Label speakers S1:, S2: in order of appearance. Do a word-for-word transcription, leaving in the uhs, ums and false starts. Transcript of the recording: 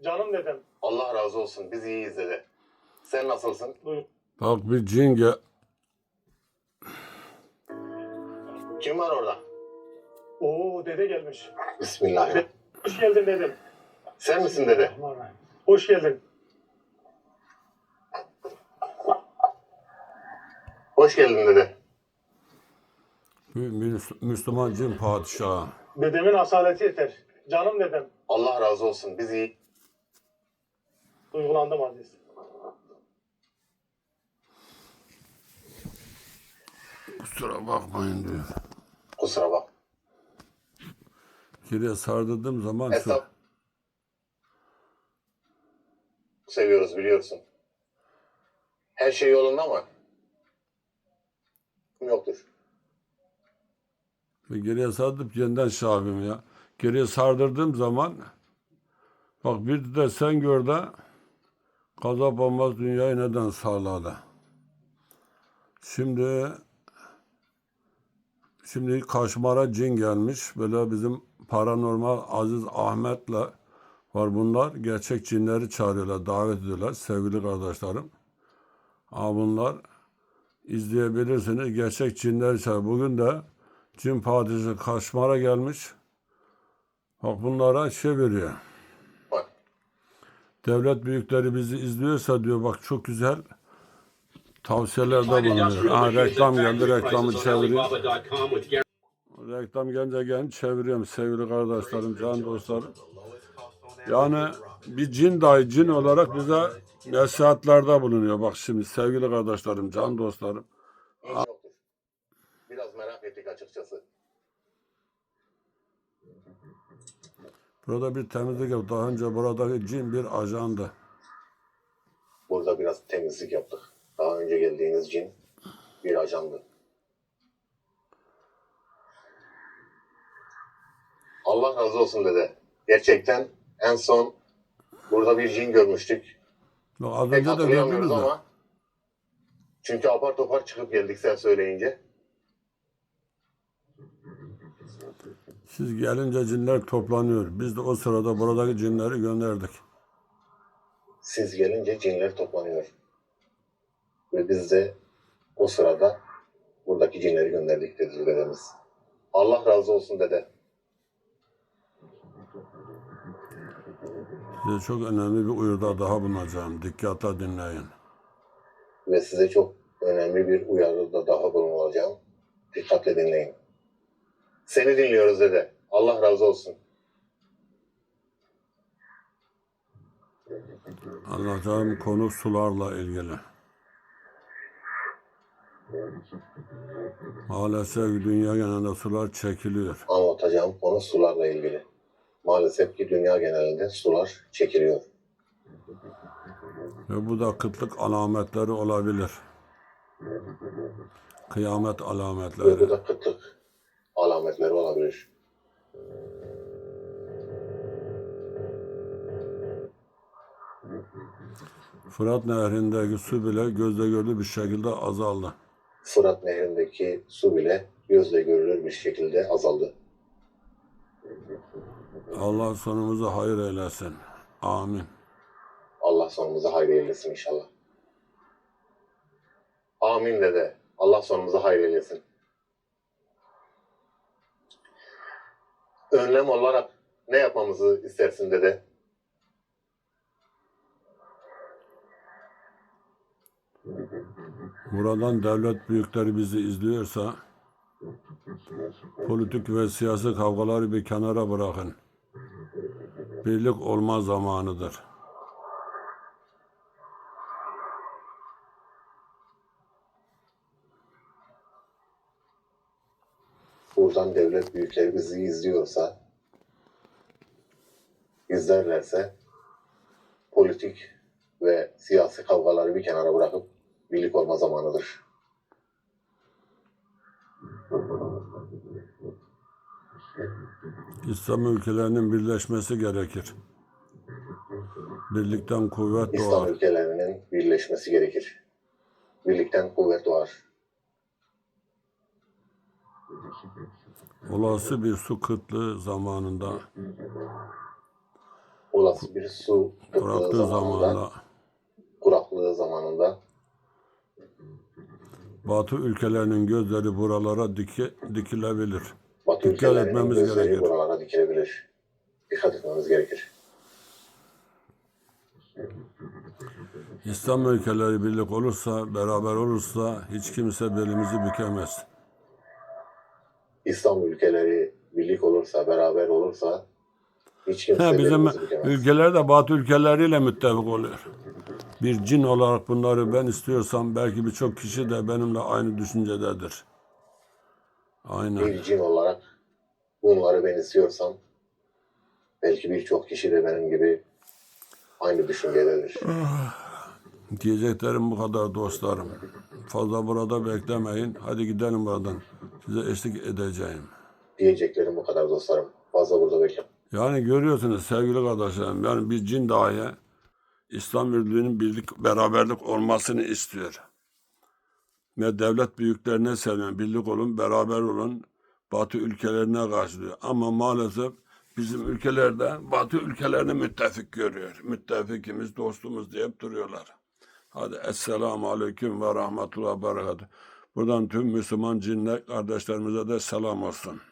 S1: Canım dedem.
S2: Allah razı olsun. Biz iyiyiz dede. Sen nasılsın?
S1: Buyur.
S3: Bak bir cin gel.
S2: Kim var orada?
S1: Oo dede gelmiş.
S2: Bismillahirrahmanirrahim.
S1: Hoş geldin dedem.
S2: Sen misin dede?
S1: Hoş geldin.
S2: Hoş geldin dede.
S3: Bir Müs- Müslüman cin padişahı.
S1: Dedemin asaleti yeter. Canım dedem.
S2: Allah razı olsun. Biz iyi.
S1: Duygulandım Aziz.
S3: Kusura bakmayın diyor.
S2: Kusura bak.
S3: Geriye sardırdığım zaman şu
S2: Hesap. Seviyoruz biliyorsun. Her şey yolunda mı? Yoktur.
S3: ve geriye sardıp yeniden şey yapayım ya. Geriye sardırdığım zaman bak bir de sen gör de gazap olmaz dünyayı neden sağladı. Şimdi şimdi Kaşmar'a cin gelmiş. Böyle bizim paranormal Aziz Ahmet'le var bunlar. Gerçek cinleri çağırıyorlar, davet ediyorlar sevgili kardeşlerim. Ama bunlar izleyebilirsiniz. Gerçek cinleri çağırıyor. Bugün de cin padişahı Kaşmar'a gelmiş. Bak bunlara şey veriyor.
S2: Bak.
S3: Devlet büyükleri bizi izliyorsa diyor bak çok güzel tavsiyelerde bulunuyor. Ha, reklam geldi, reklamı çeviriyor. Reklam gelince gel çeviriyorum sevgili kardeşlerim, can dostlarım. Yani bir cin dahi cin olarak bize nasihatlerde bulunuyor. Bak şimdi sevgili kardeşlerim, can dostlarım.
S2: Hiç yoktur. Biraz merak ettik açıkçası.
S3: Burada bir temizlik yap. Daha önce buradaki cin bir ajandı.
S2: Burada biraz temizlik yaptık. Daha önce geldiğiniz cin bir ajandı. Allah razı olsun dede. Gerçekten en son burada bir cin görmüştük.
S3: Bak, az
S2: Pek
S3: önce de
S2: hatırlayamıyoruz
S3: gördünüz de.
S2: ama çünkü apar topar çıkıp geldik sen söyleyince.
S3: Siz gelince cinler toplanıyor. Biz de o sırada buradaki cinleri gönderdik.
S2: Siz gelince cinler toplanıyor. Ve biz de o sırada buradaki cinleri gönderdik dedi dedemiz. Allah razı olsun dede.
S3: Size çok önemli bir uyarıda daha bulunacağım. Dikkatle dinleyin.
S2: Ve size çok önemli bir uyarıda daha bulunacağım. Dikkatle dinleyin. Seni dinliyoruz dede. Allah razı olsun.
S3: Anlatacağım konu sularla ilgili. Maalesef dünya genelinde sular çekiliyor.
S2: Anlatacağım konu sularla ilgili. Maalesef ki dünya genelinde sular çekiliyor.
S3: Ve bu da kıtlık alametleri olabilir. Kıyamet
S2: Ve bu
S3: alametleri.
S2: da kıtlık alametleri olabilir.
S3: Fırat Nehri'ndeki su bile gözle görülür bir şekilde azaldı.
S2: Fırat Nehri'ndeki su bile gözle görülür bir şekilde azaldı.
S3: Allah sonumuzu hayır eylesin. Amin.
S2: Allah sonumuzu hayır eylesin inşallah. Amin dede. Allah sonumuzu hayır eylesin. Önlem olarak ne yapmamızı istersin dede?
S3: Buradan devlet büyükleri bizi izliyorsa politik ve siyasi kavgaları bir kenara bırakın. Birlik olma zamanıdır.
S2: Buradan devlet büyükleri bizi izliyorsa, izlerlerse politik ve siyasi kavgaları bir kenara bırakıp birlik olma zamanıdır.
S3: İslam ülkelerinin birleşmesi gerekir. Birlikten kuvvet
S2: İslam
S3: doğar.
S2: ülkelerinin birleşmesi gerekir. Birlikten kuvvet doğar.
S3: Olası bir su kıtlığı zamanında
S2: olası bir su kıtlığı
S3: Bıraktığı
S2: zamanında,
S3: zamanla
S2: kuraklığı zamanında
S3: Batı ülkelerinin gözleri buralara dike, dikilebilir.
S2: Batı
S3: Dikkat
S2: ülkelerinin
S3: etmemiz
S2: gözleri
S3: gerekir.
S2: buralara dikilebilir. Dikkat etmemiz gerekir.
S3: İslam ülkeleri birlik olursa, beraber olursa hiç kimse belimizi bükemez.
S2: İslam ülkeleri birlik olursa, beraber olursa hiç
S3: He,
S2: kimse
S3: bizim
S2: belimizi bükemez.
S3: ülkeler de Batı ülkeleriyle müttefik oluyor. Bir cin olarak bunları ben istiyorsam belki birçok kişi de benimle aynı düşüncededir. Aynen.
S2: Bir cin olarak bunları ben istiyorsam belki birçok kişi de benim gibi aynı düşüncededir.
S3: Diyeceklerim bu kadar dostlarım. Fazla burada beklemeyin. Hadi gidelim buradan. Size eşlik edeceğim.
S2: Diyeceklerim bu kadar dostlarım. Fazla burada bekle.
S3: Yani görüyorsunuz sevgili kardeşlerim. Yani bir cin dahi İslam birliğinin birlik, beraberlik olmasını istiyor. Ve devlet büyüklerine sesleniyor. Birlik olun, beraber olun. Batı ülkelerine karşılıyor. Ama maalesef bizim ülkelerde Batı ülkelerini müttefik görüyor. Müttefikimiz, dostumuz deyip duruyorlar. Hadi Esselamu Aleyküm ve Rahmetullah ve Berekatuhu. Buradan tüm Müslüman cinler kardeşlerimize de selam olsun.